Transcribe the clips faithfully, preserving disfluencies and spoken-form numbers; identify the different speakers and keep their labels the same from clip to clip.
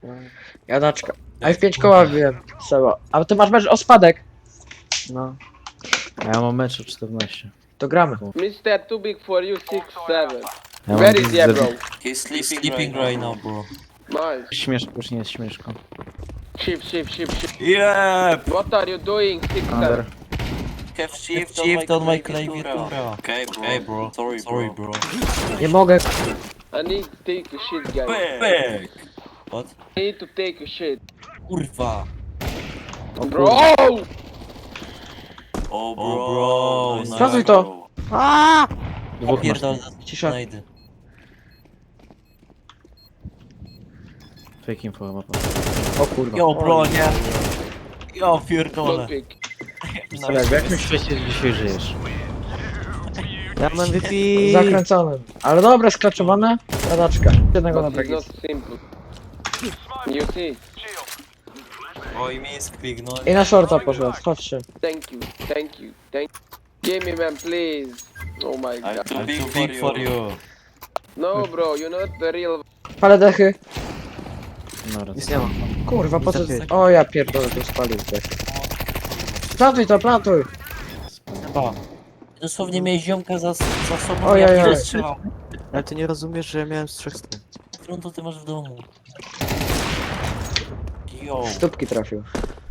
Speaker 1: Jadaczka. A F pięć koła wiem, Seba. A ty masz mecz o spadek.
Speaker 2: No. A ja mam mecz o czternaście.
Speaker 1: To gramy.
Speaker 3: mister Too Big for You six seven.
Speaker 2: Ja
Speaker 3: Where
Speaker 2: mam
Speaker 3: is yeah, bro?
Speaker 4: He's sleeping, sleeping right now, bro.
Speaker 3: Nice.
Speaker 2: Śmieszko, już nie jest śmieszko.
Speaker 3: Shift, shift, shift, shift.
Speaker 4: Yeah!
Speaker 3: What are you doing, six
Speaker 2: Under.
Speaker 3: seven?
Speaker 4: Have shift, shift on my klawiatura. Okay, bro. Okay, bro. Sorry, Sorry bro.
Speaker 1: Nie mogę.
Speaker 3: I need to take a shit, guys.
Speaker 4: Back! What?
Speaker 3: I need to take a shit.
Speaker 4: Kurwa.
Speaker 3: Bro!
Speaker 4: Oh, bro. Nice,
Speaker 1: Sprawdzuj to.
Speaker 2: Dwóch masz.
Speaker 4: Pierdol,
Speaker 1: Cisza.
Speaker 4: znajdę.
Speaker 2: Fake info chyba.
Speaker 1: O kurwa.
Speaker 4: Jo, bro, nie. Jo, pierdolę.
Speaker 3: Don't pick.
Speaker 2: Ale w jakim świecie dzisiaj żyjesz?
Speaker 5: Ja mam M V P.
Speaker 1: Zakręconym. Ale dobra, sklaczowane. Jadaczka. Jednego na
Speaker 3: But it's
Speaker 1: brak
Speaker 3: not
Speaker 1: jest.
Speaker 3: simple. You see?
Speaker 4: Oj, misklik, no.
Speaker 1: I na shorta poszedł. Chodźcie.
Speaker 3: Thank you, thank you, thank you. Give me man, please. Oh my
Speaker 4: I'm
Speaker 3: god.
Speaker 4: too big, big for you.
Speaker 3: No bro, you're not the real.
Speaker 1: Palę dechy.
Speaker 2: No,
Speaker 5: Nic nie ma.
Speaker 1: Kurwa, po co?
Speaker 5: Niestety.
Speaker 1: O ja pierdolę, tu spalił dechy. Plantuj to, plantuj.
Speaker 4: Chyba. Dosłownie miałeś ziomka za, za sobą,
Speaker 1: Ojej,
Speaker 4: ja
Speaker 1: ojej.
Speaker 4: nie strzelał.
Speaker 5: Ale ty nie rozumiesz, że ja miałem z trzech stron.
Speaker 4: Którą to ty masz w domu? Jo.
Speaker 1: Stópki trafił.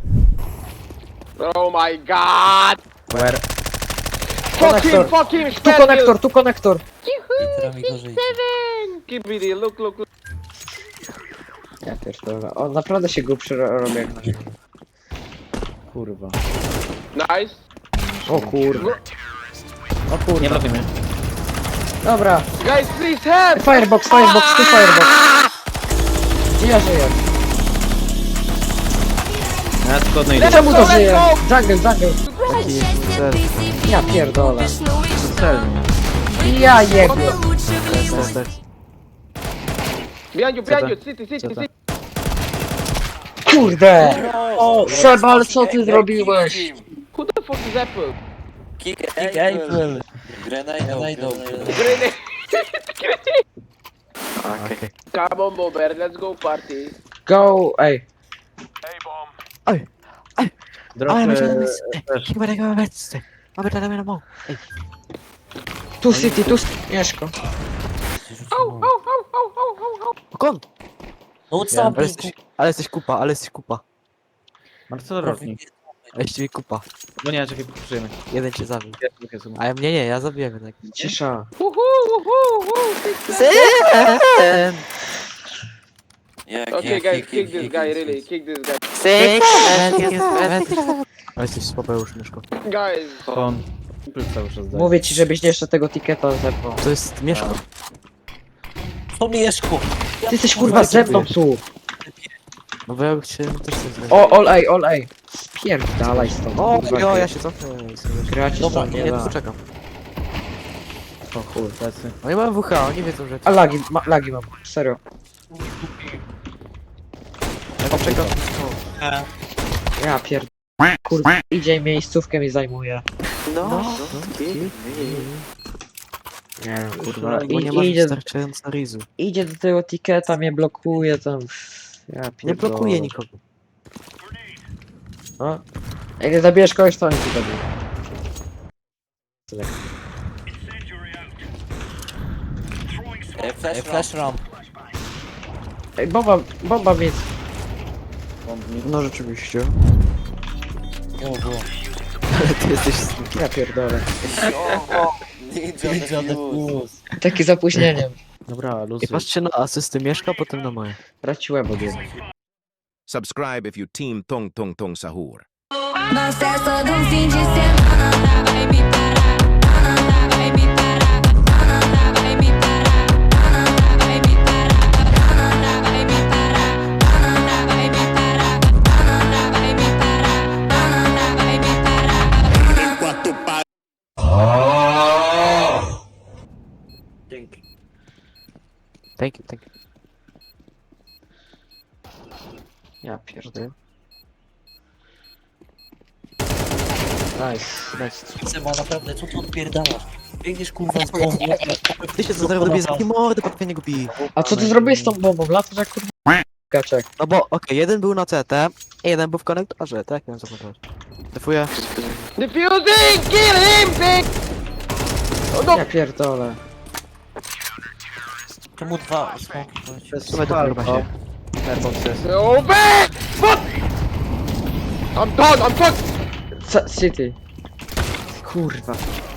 Speaker 3: Oh my god!
Speaker 2: Where?
Speaker 3: Fuck him,
Speaker 1: Konektor.
Speaker 3: fuck him,
Speaker 1: Tu
Speaker 3: spell
Speaker 1: konektor, tu konektor.
Speaker 4: Literami gorzej.
Speaker 3: Keep it, look, look, look.
Speaker 1: Ja pierdolę. On naprawdę się głupszy ro- robi jak na ziemi.
Speaker 2: Kurwa.
Speaker 3: Nice.
Speaker 1: O kurwa. O kurwa.
Speaker 2: Nie trafię mnie.
Speaker 1: Dobra.
Speaker 3: Guys, please help!
Speaker 1: Firebox, firebox, tu firebox. I ja żyję.
Speaker 2: Ja tylko odnajdę.
Speaker 1: Czemu to żyje? Jungle, jungle.
Speaker 5: Taki ser,
Speaker 1: Ja pierdolę.
Speaker 2: Celnie.
Speaker 1: Ja jego.
Speaker 5: ser, ser.
Speaker 3: Behind you, behind you, city, city,
Speaker 5: Co to?
Speaker 3: city.
Speaker 1: Kurde. Seba, ale co ty zrobiłeś?
Speaker 3: Who the fuck is Apple?
Speaker 4: Kick, kick April. Grenade, grenade,
Speaker 3: Grenade.
Speaker 5: Okej.
Speaker 3: Come on, Bober, let's go party.
Speaker 1: Go, ej.
Speaker 5: Oj,
Speaker 2: Drop
Speaker 5: ale będzie na
Speaker 2: e,
Speaker 5: miejsce.
Speaker 2: też.
Speaker 5: Chyba tego mamy miejsce. Mamy to na mą. Ej,
Speaker 1: Tu city, tu city. Mieszko.
Speaker 5: okon!
Speaker 4: No
Speaker 2: Ja-
Speaker 5: Ale
Speaker 4: co,
Speaker 5: jesteś, ale jesteś kupa, ale jesteś kupa.
Speaker 2: Marcel Rotnik.
Speaker 5: Ale jesteś kupa.
Speaker 2: No nie, czekaj, pokrzyjemy.
Speaker 5: Jeden cię zabił. A ja mnie nie, ja zabiłem jednak.
Speaker 1: Cisza.
Speaker 3: Woohoo, woohoo, woohoo.
Speaker 5: Sen!
Speaker 3: Okay, guys, kick this guy, really, kick this guy.
Speaker 5: Ale jesteś słabe już, Mieszko.
Speaker 3: Guys,
Speaker 2: On. Cały czas daje.
Speaker 1: Mówię ci, żebyś jeszcze tego tiketa zepnął.
Speaker 5: To jest Mieszko.
Speaker 4: To Mieszko.
Speaker 1: Ty jesteś kurwa ze mną tu.
Speaker 5: No bo ja bym chciał też coś zrobić.
Speaker 1: O, all A, all A. Spierdalaj stąd.
Speaker 5: O,
Speaker 1: kurwa,
Speaker 5: jo,
Speaker 1: gry.
Speaker 5: ja się cofnę.
Speaker 1: Gra ci
Speaker 5: Dobra,
Speaker 1: stąd
Speaker 5: nie,
Speaker 1: nie
Speaker 5: tu
Speaker 1: da.
Speaker 5: czekam.
Speaker 2: O chuj, plecy.
Speaker 5: Oni mają W H, oni wiedzą, że...
Speaker 1: A lagi, ma, lagi mam. Serio.
Speaker 5: Ja poczekam.
Speaker 1: Ja pierd... Kurwa, idzie i miejscówkę mi zajmuje.
Speaker 5: No, no,
Speaker 1: Nie wiem,
Speaker 5: kurwa,
Speaker 1: kurwa.
Speaker 5: bo nie
Speaker 1: I,
Speaker 5: masz
Speaker 1: idzie,
Speaker 5: wystarczająco rizu.
Speaker 1: idzie do tego tiketa, mnie blokuje tam. Ja
Speaker 5: Nie
Speaker 1: pierdolę.
Speaker 5: blokuje nikogo.
Speaker 1: No. Jak nie zabijesz kogoś, to on ci zabije.
Speaker 4: Ej, flash, flash ramp.
Speaker 1: Ej, bomba, bomba mi...
Speaker 5: No rzeczywiście.
Speaker 4: O, bro.
Speaker 5: Ale ty jesteś sneaky.
Speaker 1: Ja pierdolę.
Speaker 4: Ninja the Fuse.
Speaker 1: Taki z opóźnieniem.
Speaker 2: Dobra,
Speaker 5: I
Speaker 2: luzy.
Speaker 5: patrzcie na asysty Mieszka, potem na moje.
Speaker 1: Traciłem od jednego.
Speaker 6: Subscribe if you team Tong Tong Tong Sahur.
Speaker 7: Gosta é só de um fim de semana. Vai me parar, vai me parar, vai me parar, vai me parar, vai me parar, vai me parar, vai me parar, vai me parar.
Speaker 1: Dzięki.
Speaker 5: Thank you, thank you.
Speaker 1: Ja pierdolę. Nice, nice.
Speaker 4: Seba, naprawdę, co tu odpierdalasz? Biegniesz kurwa z bombą.
Speaker 5: Ty się co zaraz robię z takiej mordy, patrz mnie go bij.
Speaker 1: A co ty zrobiłeś z tą bombą? Latasz jak kurwa... Kaczek.
Speaker 5: No bo, okej, jeden był na C T, jeden był w konektorze, tak? Miałem zamontować. Defuję.
Speaker 3: Defusing! Kill him, pig! Oh no!
Speaker 1: Ja pierdolę.
Speaker 4: Czemu dwa smoki poleciły?
Speaker 2: To jest
Speaker 5: Słuchaj, to chyba
Speaker 2: palko.
Speaker 5: się.
Speaker 2: Airbox jest.
Speaker 3: No back! Fuck! I'm done, I'm fucked!
Speaker 1: C City. Kurwa.